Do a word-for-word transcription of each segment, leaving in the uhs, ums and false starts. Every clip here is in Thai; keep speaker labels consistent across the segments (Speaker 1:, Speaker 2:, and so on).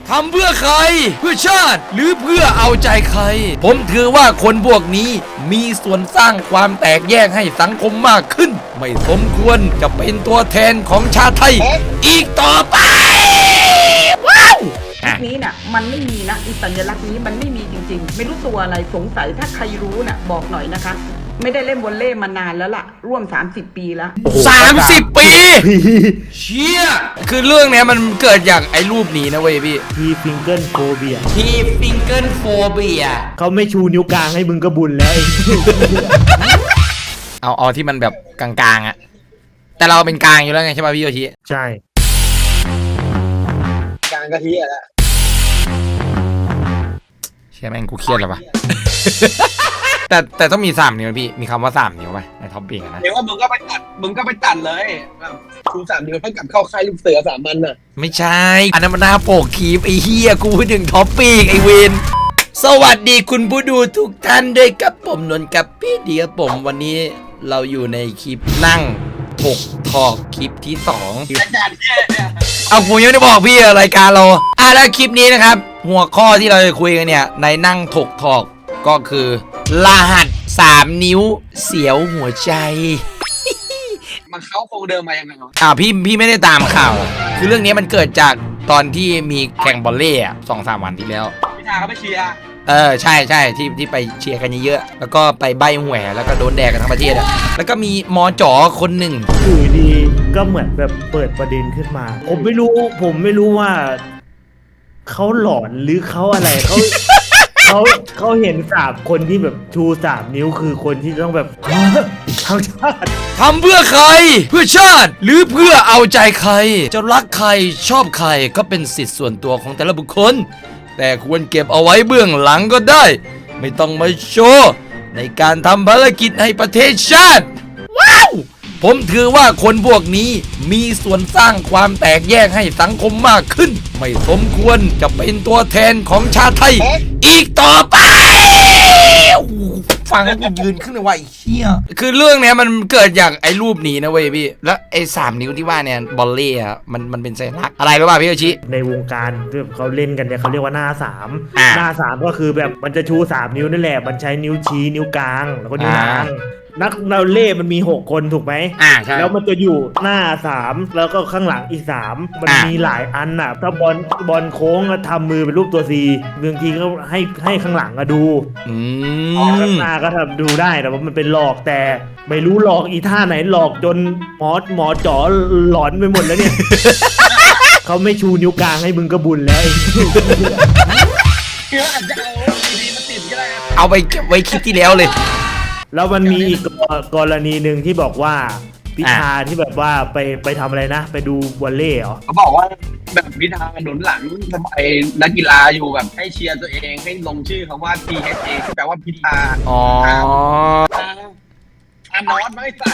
Speaker 1: ทำเพื่อใครเพื่อชาติหรือเพื่อเอาใจใครผมถือว่าคนพวกนี้มีส่วนสร้างความแตกแยกให้สังคมมากขึ้นไม่สมควรจะเป็นตัวแทนของชาติไทยอีกต่อไปว้าว
Speaker 2: นี้น่ะมันไม่มีนะอีสัญลักษณ์นี้มันไม่มีจริงๆไม่รู้ตัวอะไรสงสัยถ้าใครรู้น่ะบอกหน่อยนะคะไม่ได้เล่นวอลเลย์มานานแล้วล่ะร่วมสามสิบปีแล้ว
Speaker 1: สามสิบปีเชี่ยคือเรื่องเนี้ยมันเกิดจากไอ้รูปนี้นะเว้ยพี่
Speaker 3: ทีฟิงเกิลโฟเบีย
Speaker 1: ทีฟิงเกิลโฟเบีย
Speaker 3: เขาไม่ชูนิ้วกลางให้มึงก็บุญแล้ว
Speaker 1: เอาเอาที่มันแบบกลางๆอะแต่เราเป็นกลางอยู่แล้วไงใช่ป่ะพี่โยชิ
Speaker 3: ใช่
Speaker 4: กลางกะทิอะละ
Speaker 1: เชี่ยแม่งกูเครียดแล้วปะแต่แต่ต้องมีสามนิ้วพี่มีคำว่าสามนิ้วไหมในท็อปปิ้งนะ
Speaker 4: เดี๋ยวว่ามึงก็ไปตัดมึงก็ไปตัดเลยชูสามนิ้วให้กับเข้าค่ายลูกเสือสามมันน่ะ
Speaker 1: ไม่ใช่อันนั้นมันหน้าโปกคีบไอ้เฮียกูพูดถึงท็อปปิ้งไอ้เวนสวัสดีคุณผู้ดูทุกท่านด้วยกับผมนนท์กับพี่เดียผมวันนี้เราอยู่ในคลิปนั่งถกถอกคลิปที่สองเอาผมยังไม่ได้บอกพี่รายการเราอ่ะแล้วคลิปนี้นะครับหัวข้อที่เราจะคุยกันเนี่ยในนั่งถกถอกก็คือรหัสสามนิ้วเสียวหัวใจ
Speaker 4: มันเข้าโครงเดิมมายังไง
Speaker 1: อ่าพี่พี่ไม่ได้ตามข่าวคือเรื่องนี้มันเกิดจากตอนที่มีแข่งบอลเล่สองสามวันที่แล้ว
Speaker 4: พิธาเขาไปเชียร์
Speaker 1: เออใช่ใช่ที่ที่ไปเชียร์กันเยอะๆแล้วก็ไปใบหวยแล้วก็โดนแดกกันทั้งประเทศอ่ะแล้วก็มีมอจ๋อคนหนึ่ง
Speaker 3: อยู่ดีก็เหมือนแบบเปิดประเด็นขึ้นมาผมไม่รู้ผมไม่รู้ว่าเขาหลอนหรือเขาอะไรเขาเขาเขาเห็นสามคนที่แบบชูสามนิ้วคือคนที่ต้องแบบทำชาติ
Speaker 1: ทำเพื่อใครเพื่อชาติหรือเพื่อเอาใจใครจะรักใครชอบใครก็เป็นสิทธิ์ส่วนตัวของแต่ละบุคคลแต่ควรเก็บเอาไว้เบื้องหลังก็ได้ไม่ต้องมาโชว์ในการทำภารกิจให้ประเทศชาติว้าวผมถือว่าคนพวกนี้มีส่วนสร้างความแตกแยกให้สังคมมากขึ้นไม่สมควรจะเป็นตัวแทนของชาติไทยอีกต่อไปฟังแล้วกูยืนขึ้นเลยว่าไอ้เชี่ยคือเรื่องเนี้ยมันเกิดจากไอ้รูปนี้นะเว้ยพี่แล้วไอ้สามนิ้วที่ว่าเนี่ยบอลเล่อะมันมันเป็นสัญลักษณ์อะไรรู้ป่ะพี่โยชิ
Speaker 3: ในวงการที่เขาเล่นกันเนี่ยเขาเรียกว่าหน้าสามหน้าสามก็คือแบบมันจะชูสามนิ้วนั่นแหละมันใช้นิ้วชี้นิ้วกลางแล้วก็นิ้วนางนักเราเล่มันมีหกคนถูกไหม
Speaker 1: อ่าใช่
Speaker 3: แล้วมันจะอยู่หน้าสามแล้วก็ข้างหลังอีกสามมันมีหลายอันน่ะถ้าบอลบอลโค้งทำมือเป็นรูปตัวซีบางทีก็ให้ให้ข้างหลังอะดู
Speaker 1: อืม
Speaker 3: ข้างหน้าก็ทำดูได้แต่ว่ามันเป็นหลอกแต่ไม่รู้หลอกอีท่าไหนหลอกจนหมอหมอจ๋อหลอนไปหมดแล้วเนี่ย เขาไม่ชูนิ้วกลางให้มึงก็บุญแล้ว
Speaker 1: เอาไปเก็บไว้คลิปที่แล้วเลย
Speaker 3: แล้วมันมีอีกกรณีหนึ่งที่บอกว่าพิธาที่แบบว่าไปไปทำอะไรนะไปดูวอลเลย์เหรอ
Speaker 4: เขาบอกว่าแบบพิธาหนุนหลังไอ้นักกีฬาอยู่แบบให้เชียร์ตัวเองให้ลงชื่อคำว่า พี เอช เอ ที่แปลว่าพิธา
Speaker 1: อ๋อ
Speaker 4: อานอนไม่สั่น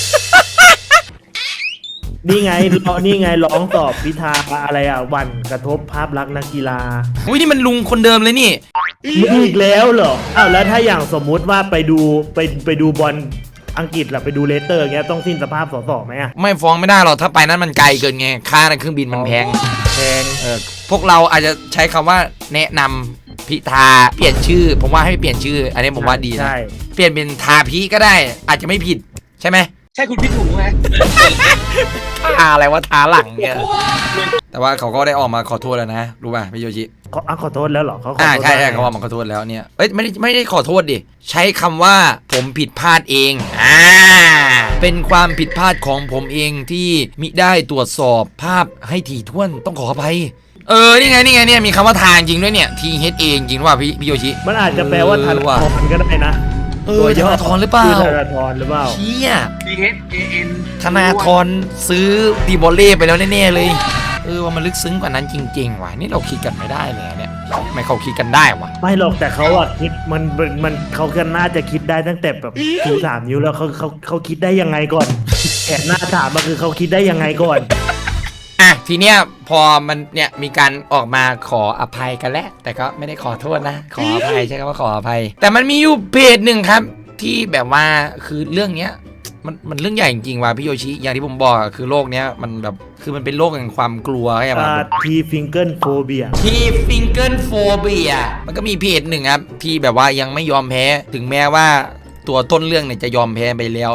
Speaker 3: นี่ไงนี่ไงร้องตอบพิธาอะไรอ่ะวันกระทบภาพลักษณ์นักกีฬา
Speaker 1: อุ้ยนี่มันลุงคนเดิมเลยนี่
Speaker 3: อีกแล้วเหรออ้าวแล้วถ้าอย่างสมมุติว่าไปดูไปไปดูบอลอังกฤษหรือไปดูเลสเตอร์เงี้ยต้องสิ้นสภาพสสไหมอ่ะ
Speaker 1: ไม่ฟ้องไม่ได้หรอกถ้าไปนั้นมันไกลเกินไงค่าในเครื่องบินมันแพง
Speaker 3: แพง
Speaker 1: เออพวกเราอาจจะใช้คำว่าแนะนำพิธาเปลี่ยนชื่อผมว่าให้เปลี่ยนชื่ออันนี้ผมว่าดีนะเปลี่ยนเป็นทาพิก็ได้อาจจะไม่ผิดใช่ไหม
Speaker 4: ใช่คุณพิถูกไหม
Speaker 1: ทาอะไรว่าทาหลังเนี่ยแต่ว่าเขาก็ได้ออกมาขอโทษแล้วนะรู้ป่ะพี่โยชิ
Speaker 3: เขาขอโทษแล้วเหรอเขา
Speaker 1: อ่าใช่ใช่เขาออกมาขอโทษแล้วเนี่ยเอ้ยไม่ได้ไม่ได้ขอโทษดิใช้คำว่าผมผิดพลาดเองอ่าเป็นความผิดพลาดของผมเองที่มิได้ตรวจสอบภาพให้ถี่ถ้วนต้องขออภัยเออนี่ไงนี่ไงเนี่ยมีคำว่าทางจริงด้วยเนี่ยทีเฮดเองจริงว่าพี่พี่โยชิ
Speaker 3: มันอาจจะแปลว่าทันทอนก็ได้นะ
Speaker 1: ตัวธนาธรหรือเปล่า
Speaker 3: ธนาธรหรือเปล่า
Speaker 1: เชี่ย
Speaker 4: พี เอช เอ เอ็น
Speaker 1: ธนาธรซื้อดีบอลเล่ไปแล้วแน่ๆเลยเออว่ามันลึกซึ้งกว่านั้นจริงๆว่ะนี่เราคิดกันไม่ได้เลยเนี่ยไม่เขาคิดกันได้วะ
Speaker 3: ไม่หรอกแต่เขาอะคิดมันมันเขาก็น่าจะคิดได้ตั้งแต่แบบชูสามนิ้วแล้วเขาเขาเขาคิดได้ยังไงก่อนแอบหน้าถามมาคือเขาคิดได้ยังไงก่อน
Speaker 1: อ่ะทีเนี้ยพอมันเนี่ยมีการออกมาขออภัยกันแล้วแต่ก็ไม่ได้ขอโทษนะขออภัยใช่คำว่าขออภัยแต่มันมีอยู่เพจหนึ่งครับที่แบบว่าคือเรื่องเนี้ยมันมันเรื่องใหญ่จริงๆว่ะพี่โยชิอย่างที่ผมบอกอะคือโลกเนี้ยมันแบบคือมันเป็นโลกแห่งความกลัวใช่ไหม
Speaker 3: ทีฟิงเกิลโฟเบีย
Speaker 1: ทีฟิงเกิลโฟเบียมันก็มีเพจหนึ่งครับที่แบบว่ายังไม่ยอมแพ้ถึงแม้ว่าตัวต้นเรื่องเนี่ยจะยอมแพ้ไปแล้ว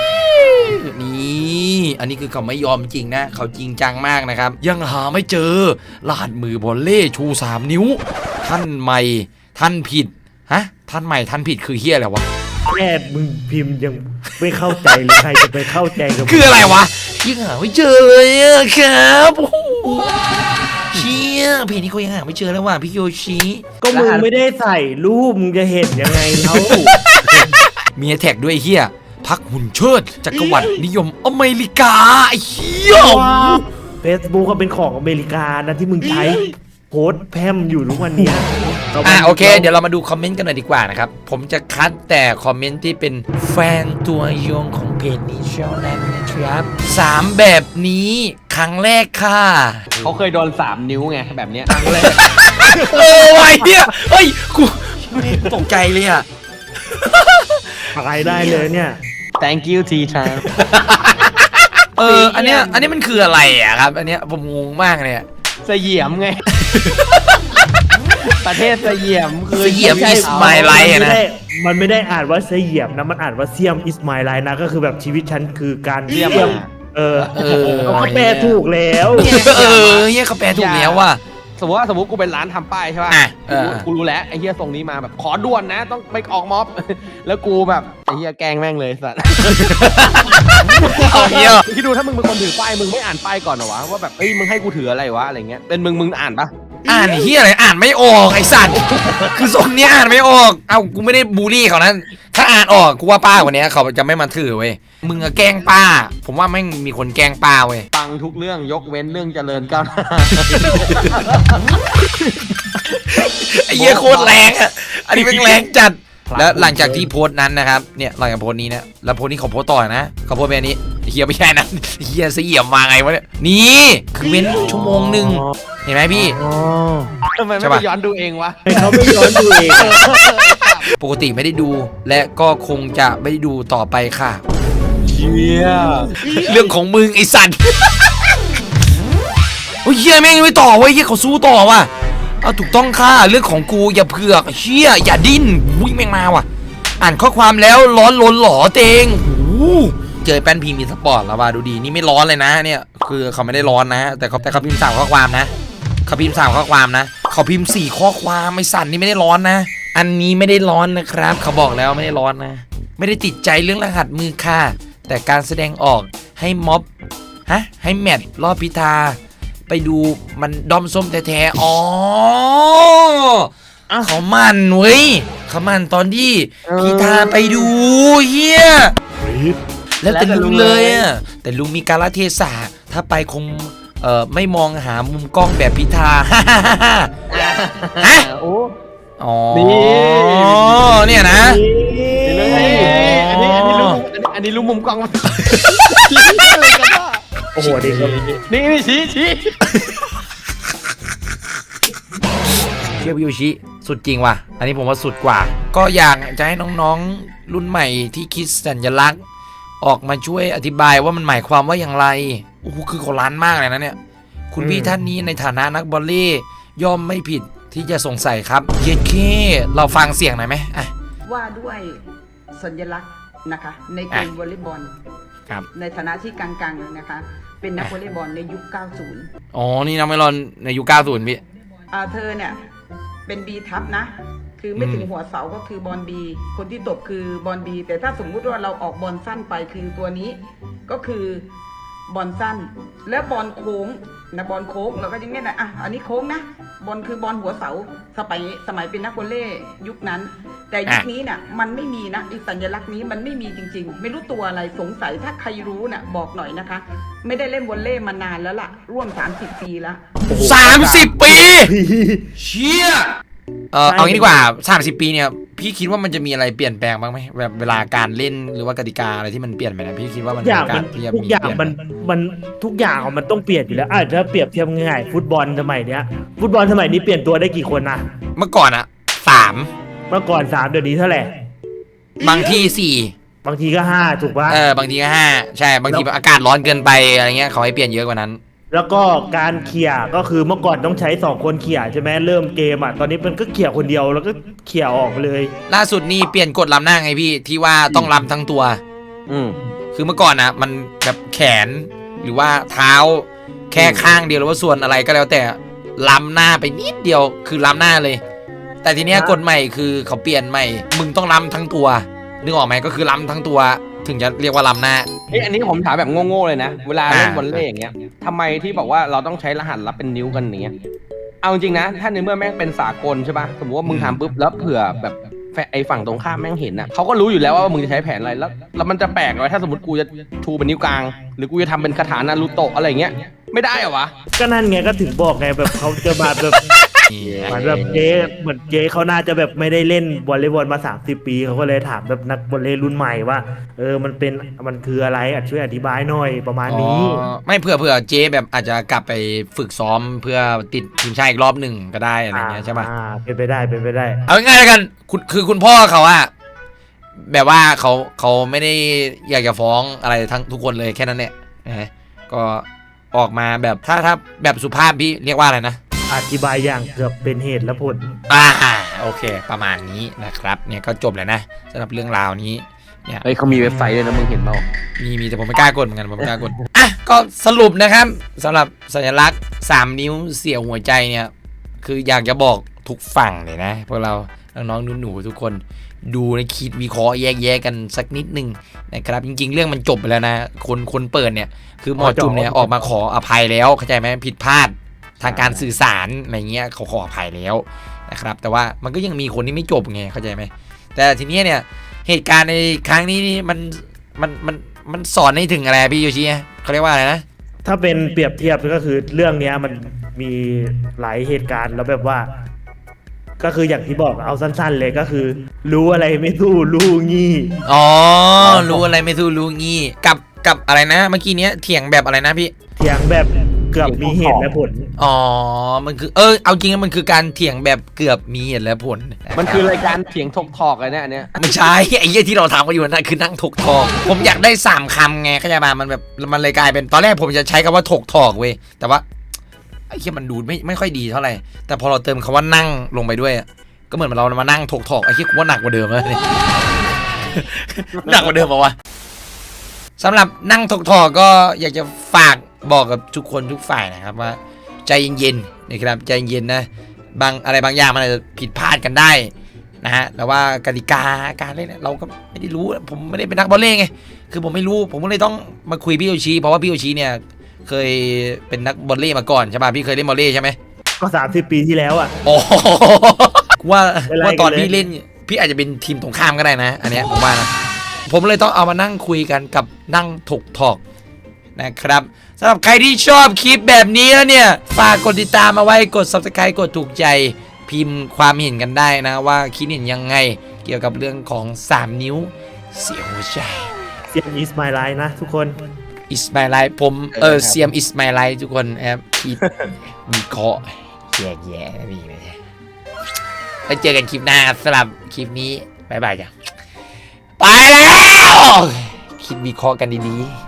Speaker 1: นี่อันนี้คือเขาไม่ยอมจริงนะเขาจริงจังมากนะครับยังหาไม่เจอรหัสมือบอลเล่ชูสามนิ้วท่านใหม่ท่านผิดฮะท่านใหม่ท่านผิดคือเฮียอะไรวะ
Speaker 3: แค่มึงพิมพ์ยังไม่เข้าใจเลยใครจะไปเข้าใจกับมึง
Speaker 1: คืออะไรวะยังหาไม่เจอเลยอะครับโอ้โหเชี่ยเพจนี้เขายังหาไม่เจอแล้วว่ะพี่โยชิ
Speaker 3: ก็มึงไม่ได้ใส่รูปมึงจะเห็นยังไงเขา
Speaker 1: มีแท็กด้วยไอ้เฮียพักหุ่นเชิดจักรวรรดินิยมอเมริกาไอ้เฮีย
Speaker 3: เฟซบุ๊กก็เป็นของอเมริกานะที่มึงใช้โพสต์แพร่มอยู่ทุกวันเนี้ย
Speaker 1: อ่ะโอเคเดี๋ยวเรามาดูคอมเมนต์กันหน่อยดีกว่านะครับผมจะคัดแต่คอมเมนต์ที่เป็นแฟนตัวยงของเพจนี้เชียวนั้นนะครับสามแบบนี้ครั้งแรกค่ะ
Speaker 5: เขาเคยโดนสามนิ้วไงแบบเนี้ย
Speaker 1: โอ้ยเฮียเฮ้ยกูตกใจเลยอ่ะ
Speaker 3: อะไรได้เลยเนี่ย
Speaker 5: thank you ทีชา
Speaker 1: เอออันเนี้ยอันนี้มันคืออะไรอ่ะครับอันเนี้ยผมงงมากเลยอะ
Speaker 5: เสยียมไง ประเทศเสยียมคือ
Speaker 1: เสยียม
Speaker 5: ไใช่
Speaker 1: is
Speaker 5: เขา
Speaker 1: my life
Speaker 3: มันไม่ได้มันไม่ได้อ่านว่าเสียมนะมันอ่านว่าเสียมอิสมาไลนะก็คือแบบชีวิตฉันคือการ
Speaker 5: เสียม
Speaker 3: เออ
Speaker 1: เออ
Speaker 3: เขาก็แปลถูกแล้ว
Speaker 1: เออเฮียเขาแปลถูกแล้วว่ะ
Speaker 5: สมมติว่าสมมติกูเป็นร้านทำป้ายใช่ป่ะ
Speaker 1: อ่ะเออ
Speaker 5: กูรู้แล้วไอ้เฮียทรงนี้มาแบบขอด่วนนะ ต้องไปออกม็อบ แล้วกูแบบไอ้เฮียแกล้งแม่งเลยสัตว์
Speaker 1: เอาเฮีย
Speaker 5: คิดดูถ้ามึงเป็นคนถือป้ายมึงไม่อ่านป้ายก่อนเหรอวะว่าแบบเอ้ยมึงให้กูถืออะไรวะอะไรเงี้ยเป็นมึงมึงอ่านปะ
Speaker 1: อ่านไอ้เฮียอะไรอ่านไม่ออกไอ้สัตว์คือทรงเนี้ยอ่านไม่ออกเอ้ากูไม่ได้บูลลี่เขานะถ้าอ่านออกกูว่าป้าคนเนี้ยเขาจะไม่มาถือเว้ยมึงอะแกล้งป้า ผมว่าแม่งมีคนแกล้งป้าเว้ย
Speaker 5: ฟังทุกเรื่องยกเว้นเรื่องเจริญก้าวหน้า
Speaker 1: ไอ้เหี้ยโคตรแรงอ่ะ อันนี้เป็นแรงจัด แล้วหลังจากที่โพสต์นั้นนะครับ เนี่ยหลังจากโพสต์นี้นะแล้วโพสต์นี้เขาโพสต์ต่อนะเขาโพสต์แบบนี้เฮียไม่ใช่นะเฮียเสียมมาไงวะเนี่ย นี่คือเว้นชั่วโมงหนึ่งเห็นไหมพี่
Speaker 3: อ๋อ
Speaker 5: ทำไม
Speaker 1: ใช่
Speaker 5: ไม่
Speaker 1: ปะ
Speaker 5: ไปย้อนดูเองวะ
Speaker 3: ให้เขาไม่ย้อนดูเอง
Speaker 1: ปกติไม่ได้ดู และก็คงจะไม่ได้ดูต่อไปค่ะ
Speaker 5: เชี่ย
Speaker 1: เรื่องของมึงไอ้สัตว์ โอ้ยเฮียแม่งไม่ต่อเว้ยเฮียเขาสู้ต่อว่ะเอาถูกต้องค่ะเรื่องของกูอย่าเผือกเฮียอย่าดิ้นวิ่งแม่งมาว่ะ อ่านข้อความแล้วร้อนล้นหล่อเตงหูเจอแป้นพิมพ์มีสปอร์ตแล้วว่ะดูดีนี่ไม่ร้อนเลยนะเนี่ยคือเขาไม่ได้ร้อนนะ แต่เขาแต่เขาพิมพ์สามข้อความนะเขาพิมพ์สามข้อความนะเขาพิมพ์สี่ข้อความไม่สั่นนี่ไม่ได้ร้อนนะ อันนี้ไม่ได้ร้อนนะครับ เขาบอกแล้วไม่ได้ร้อนนะ ไม่ได้ติดใจเรื่องรหัสมือค่ะแต่การแสดงออกให้ม็อบฮะให้แมทรอบพิธาไปดูมันดอมส้มแท้ๆอ๋อเขามันเว้ยเขามันตอนที่พิธาไปดูเฮียแล้วแต่ลุงเลยอ่ะแต่ลุงมีกาลเทศะถ้าไปคงเอ่อไม่มองหามุมกล้องแบบพิธา ฮะ
Speaker 5: โอ้
Speaker 1: อ๋อ
Speaker 5: นี่
Speaker 1: เนี่ยนะ
Speaker 5: นี่เลยอันนี้อันนี้รู้อันนี้รู้มุมกล้องมั้ย
Speaker 3: โอ้โหเด็กครับ
Speaker 5: นี่นี่ชี้ชี้
Speaker 1: เทียบยูชิสุดจริงว่ะ อันนี้ผมว่าสุดกว่า ก็อยากจะให้น้องๆรุ่นใหม่ที่คิดสัญลักษณ์ ออกมาช่วยอธิบายว่ามันหมายความว่าอย่างไรโอ้โหคือเขาล้านมากเลยนะเนี่ย คุณพี่ท่านนี้ในฐานะนักบอลเล่ย่อมไม่ผิดที่จะสงสัยครับเย็นเคเราฟังเสียงหน่อยไหมอ่ะ
Speaker 2: ว่าด้วยสัญลักษณ์นะคะ ในเกมวอลเลย์บอล
Speaker 1: ครับ
Speaker 2: ในฐานะที่กังๆนะคะ เป็นนักวอลเลย์บอลในยุค เก้าสิบ
Speaker 1: อ๋อ นี่น้องไม่รอนในยุคเก้าสิบพี่
Speaker 2: อ่าเธอเนี่ยเป็นบีทับนะ คือไม่
Speaker 1: อืม
Speaker 2: ถึงหัวเสาก็คือบอลบีคนที่ตบคือบอลบีแต่ถ้าสมมุติว่าเราออกบอลสั้นไปคือตัวนี้ ก็คือบอลสั้น แล้วบอลโค้งนะบอลโค้งเราก็ยังเงี้ยนะอ่ะอันนี้โค้งนะบอลคือบอลหัวเสาสมัยสมัยเป็นนักวอลเลย์ยุคนั้น แต่ยุคนี้เนี่ยมันไม่มีนะไอ้สัญลักษณ์นี้มันไม่มีจริงๆ ไม่รู้ตัวอะไรสงสัยถ้าใครรู้น่ะบอกหน่อยนะคะ ไม่ได้เล่นวอลเลย์มานานแล้วล่ะร่วมสามสิบปีแล้ว
Speaker 1: สามสิบปี เชี่ยเออเอางี้ดีกว่าสามสิบปีเนี่ยพี่คิดว่ามันจะมีอะไรเปลี่ยนแปลงบ้างไหมแบบเวลาการเล่นหรือว่ากติกาอะไรที่มันเปลี่ยนไปนะพี่คิดว่ามัน
Speaker 3: ทุกอย่าง
Speaker 1: มี
Speaker 3: มัน
Speaker 1: ที่จะ
Speaker 3: ทุกอย่าง
Speaker 1: เปลี่
Speaker 3: มัน
Speaker 1: ไห
Speaker 3: มันทุกอย่างมันต้องเปลี่ยนอยู่แล้วอาจจะเปรียบเทียบง่ายๆฟุตบอลสมัยเนี้ยฟุตบอลสมัยนี้เปลี่ยนตัวได้กี่คนนะ
Speaker 1: เมื่อก่อนอะสาม
Speaker 3: เมื่อก่อนสามเดี๋ยวนี้เท่าไหร่
Speaker 1: บางที่สี่
Speaker 3: บางทีก็ห้าถูกปะ
Speaker 1: เออบางทีก็ห้าใช่บางทีแบบอากาศร้อนเกินไปอะไรเงี้ยเขาให้เปลี่ยนเยอะกว่านั้น
Speaker 3: แล้วก็การเขี่ยก็คือเมื่อก่อนต้องใช้สองคนเขี่ยใช่ไหมเริ่มเกมอ่ะตอนนี้มันก็เขี่ยคนเดียวแล้วก็เขี่ยออกเลย
Speaker 1: ล่าสุดนี่เปลี่ยนกฎลำหน้าไงพี่ที่ว่าต้องลำทั้งตัว
Speaker 5: อืม
Speaker 1: คือเมื่อก่อนนะมันแบบแขนหรือว่าเท้าแค่ข้างเดียวหรือว่าส่วนอะไรก็แล้วแต่ล้ำหน้าไปนิดเดียวคือล้ำหน้าเลย แต่ทีเนี้ยกฎใหม่คือเขาเปลี่ยนใหม่มึงต้องล้ำทั้งตัวนึกออกไหมก็คือล้ำทั้งตัวถึงจะเรียกว่าล้ำหน้า
Speaker 5: เอ้ยอันนี้ผมถามแบบโง่ๆเลยนะเวลา
Speaker 1: อ่า
Speaker 5: เล่นวอลเลย์อย่างเงี้ยทำไมที่บอกว่าเราต้องใช้รหัสลับเป็นนิ้วกันอย่างเงี้ยเอาจริงนะถ้าในเมื่อแม่งเป็นสากลใช่ป่ะสมมติว่ามึงทำปุ๊บแล้วเผื่อแบบไอ้ฝั่งตรงข้ามแม่งเห็นนะเขาก็รู้อยู่แล้วว่ามึงจะใช้แผนอะไรแล้วแล้วมันจะแปลกเลยถ้าสมมติกูจะชูเป็นนิ้วกลางหรือกูจะทำเป็นคาถานารูโตะอะไรอย่างเงี้ยไม่ได้เหรอวะ
Speaker 3: ก็นั่นไงก็ถึงบอกไงแบบเขาจะมาแบบเหมือนแบบเจ๊เหมือนเจ๊เขาน่าจะแบบไม่ได้เล่นวอลเลย์บอลมาสามสิบปีเขาก็เลยถามแบบนักวอลเลย์รุ่นใหม่ว่าเออมันเป็นมันคืออะไรอ่ะช่วยอธิบายหน่อยประมาณนี้
Speaker 1: อ๋อไม่เผื่อเผื่อเจ๊แบบอาจจะกลับไปฝึกซ้อมเพื่อติดทีมชาติอีกรอบหนึ่งก็ได้อะไรเงี้ยใช่ป่ะ
Speaker 3: อ่าเป็นไปได้เป็นไปได้
Speaker 1: เอาง่ายๆแล้วกันคุณคือคุณพ่อเขาอะแบบว่าเขาเขาไม่ได้อยากจะฟ้องอะไรทั้งทุกคนเลยแค่นั้นแหละนะก็ออกมาแบบถ้าถ้าแบบสุภาพพี่เรียกว่าอะไรนะ
Speaker 3: อธิบายอย่างเกือบเป็นเหตุและผล
Speaker 1: อ่าโอเค ประมาณนี้นะครับเนี่ยก็จบแล้วนะสำหรับเรื่องราวนี้เนี่ย
Speaker 5: เฮ้ยเขามีเว็บไซต์ด้วยนะมึงเห็นเปล่า
Speaker 1: มีมีแต่ผมไม่กล้ากดเหมือนกันผมไม่กล้ากดอ่ะก็สรุปนะครับสำหรับสัญลักษณ์สามนิ้วเสี่ยวหัวใจเนี่ยคืออยากจะบอกทุกฝั่งเลยนะพวกเราน้องๆหนูๆทุกคนดูในคิดวิเคราะห์แยกแยะกันสักนิดนึงนะครับจริงๆเรื่องมันจบไปแล้วนะคนคนเปิดเนี่ยคือหมอจุ่มเนี่ยออกมาขออภัยแล้วเข้าใจไหมผิดพลาดทางการสื่อสารอะไรเงี้ยเขาขออภัยแล้วนะครับแต่ว่ามันก็ยังมีคนที่ไม่จบไงเข้าใจไหมแต่ทีนี้เนี่ยเหตุการณ์ในครั้งนี้นี่มันมันมันมันสอนให้ถึงอะไรพี่โยชิเขาเรียกว่าอะไรนะ
Speaker 3: ถ้าเป็นเปรียบเทียบก็คือเรื่องเนี้ยมันมีหลายเหตุการณ์แล้วแบบว่า ก็คืออย่างที่บอกเอาสั้นๆเลยก็คือ รู้อะไรไม่สู้รู้งี้
Speaker 1: อ๋อรู้อะไรไม่สู้รู้งี้กับกับอะไรนะเมื่อกี้เนี้ยเถียงแบบอะไรนะพี่
Speaker 3: เถียงแบบเกือบมีเหตุและผล
Speaker 1: อ๋อมันคือเออเอาจริงๆมันคือการเถียงแบบเกือบมีเหตุและผล
Speaker 5: มันคือรายการเถียงทกทอกอะไรเนี่ยอันเนี้ย
Speaker 1: ไม่ใช่ไอ้เหี้ยที่เราทำกันอยู่นั่นคือนั่งถกทอกผมอยากได้สามคำไงเข้าใจป่ะมันแบบมันเลยกลายเป็นตอนแรกผมจะใช้คำว่าถกทอกเว้ยแต่ว่าไอ้เหี้ยมันดูไม่ไม่ค่อยดีเท่าไหร่แต่พอเราเติมคำว่านั่งลงไปด้วยก็เหมือนเรามานั่งถกทอกไอ้เหี้ยกูว่าหนักกว่าเดิมแล้วเนี่ย หนักกว่าเดิมป่าวะสำหรับนั่งถกทอกก็อยากจะฝากบอกกับทุกคนทุกฝ่ายนะครับว่าใจเย็นๆนะครับใจเย็นนะบางอะไรบางอย่างมันอาจจะผิดพลาดกันได้นะฮะแต่ว่ากติกาการเล่นเราก็ไม่ได้รู้ผมไม่ได้เป็นนักบอลเล่ไงคือผมไม่รู้ผมก็เลยต้องมาคุยพี่โยชิเพราะว่าพี่โยชิเนี่ยเคยเป็นนักบอลเล่มาก่อนใช่ป่ะพี่เคยเล่นบอลเล่ใช่ไหม
Speaker 3: ก็สามสิบปีที่แล้วอ่ะ
Speaker 1: โอ้ว่า
Speaker 3: เป็นไร
Speaker 1: ว่าตอน
Speaker 3: กันเลย
Speaker 1: พี่เล่นพี่อาจจะเป็นทีมตรงข้ามก็ได้นะอันเนี้ยผมว่านะผมเลยต้องเอามานั่งคุยกันกับนั่งถกทอกนะครับสำหรับใครที่ชอบคลิปแบบนี้แล้วเนี่ยฝากกดติดตามมาไว้กด ซับสไครบ์ กดถูกใจพิมพ์ความเห็นกันได้นะว่าคิดเห็นยังไงเกี่ยวกับเรื่องของสามนิ้วเสียหัวใจ
Speaker 3: เสียงอีสไมล์ไลน์นะทุกคน
Speaker 1: is my life ผมเออเซียม is my life ทุกคนครับคิดมีเคราะห์แย่แย่ๆนี่เลยไปเจอกันคลิปหน้าสำหรับคลิปนี้บ๊ายบายจ้ะไปแล้วคิดวิเคราะห์กันดีๆ